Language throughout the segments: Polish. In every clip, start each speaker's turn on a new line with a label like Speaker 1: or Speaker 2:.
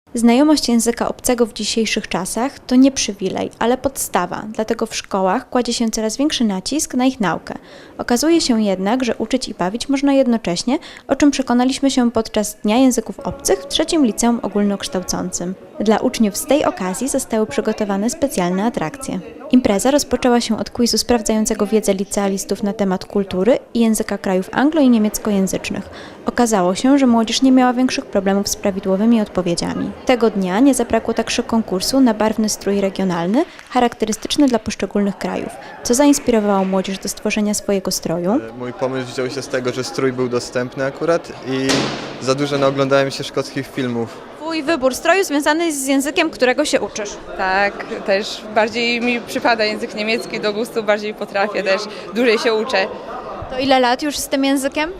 Speaker 1: Znajomość języka obcego w dzisiejszych czasach to nie przywilej, ale podstawa, dlatego w szkołach kładzie się coraz większy nacisk na ich naukę. Okazuje się jednak, że uczyć i bawić można jednocześnie, o czym przekonaliśmy się podczas Dnia Języków Obcych w trzecim liceum ogólnokształcącym. Dla uczniów z tej okazji zostały przygotowane specjalne atrakcje. Impreza rozpoczęła się od quizu sprawdzającego wiedzę licealistów na temat kultury i języka krajów anglo- i niemieckojęzycznych. Okazało się, że młodzież nie miała większych problemów z prawidłowymi odpowiedziami. Tego dnia nie zabrakło także konkursu na barwny strój regionalny, charakterystyczny dla poszczególnych krajów, co zainspirowało młodzież do stworzenia swojego stroju.
Speaker 2: Mój pomysł wziął się z tego, że strój był dostępny akurat i za dużo naoglądałem się szkockich filmów.
Speaker 1: Twój wybór stroju związany jest z językiem, którego się uczysz.
Speaker 3: Tak, też bardziej mi przypada język niemiecki do gustu, bardziej potrafię też, dłużej się uczę.
Speaker 1: To ile lat już z tym językiem?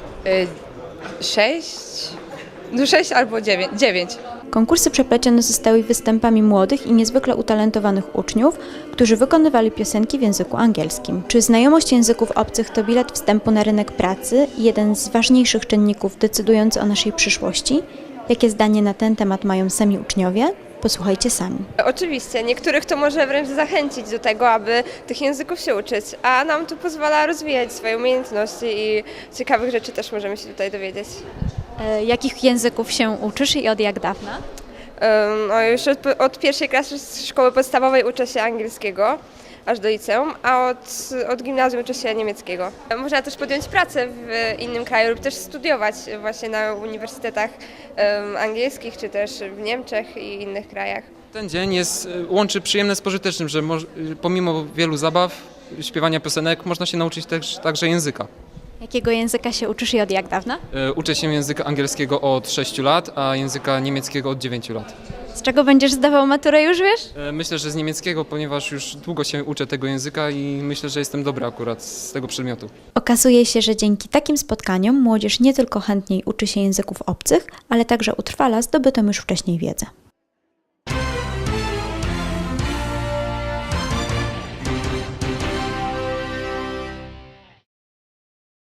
Speaker 3: 6 albo 9.
Speaker 1: Konkursy przeplecione zostały występami młodych i niezwykle utalentowanych uczniów, którzy wykonywali piosenki w języku angielskim. Czy znajomość języków obcych to bilet wstępu na rynek pracy i jeden z ważniejszych czynników decydujący o naszej przyszłości? Jakie zdanie na ten temat mają sami uczniowie? Posłuchajcie sami.
Speaker 4: Oczywiście, niektórych to może wręcz zachęcić do tego, aby tych języków się uczyć, a nam to pozwala rozwijać swoje umiejętności i ciekawych rzeczy też możemy się tutaj dowiedzieć.
Speaker 1: Jakich języków się uczysz i od jak dawna?
Speaker 4: No już od pierwszej klasy szkoły podstawowej uczę się angielskiego, aż do liceum, a od gimnazjum uczę się niemieckiego. Można też podjąć pracę w innym kraju lub też studiować właśnie na uniwersytetach angielskich, czy też w Niemczech i innych krajach.
Speaker 5: Ten dzień łączy przyjemne z pożytecznym, że pomimo wielu zabaw, śpiewania piosenek, można się nauczyć także języka.
Speaker 1: Jakiego języka się uczysz i od jak dawna?
Speaker 5: Uczę się języka angielskiego od 6 lat, a języka niemieckiego od 9 lat.
Speaker 1: Z czego będziesz zdawał maturę, już wiesz?
Speaker 5: Myślę, że z niemieckiego, ponieważ już długo się uczę tego języka i myślę, że jestem dobry akurat z tego przedmiotu.
Speaker 1: Okazuje się, że dzięki takim spotkaniom młodzież nie tylko chętniej uczy się języków obcych, ale także utrwala zdobytą już wcześniej wiedzę.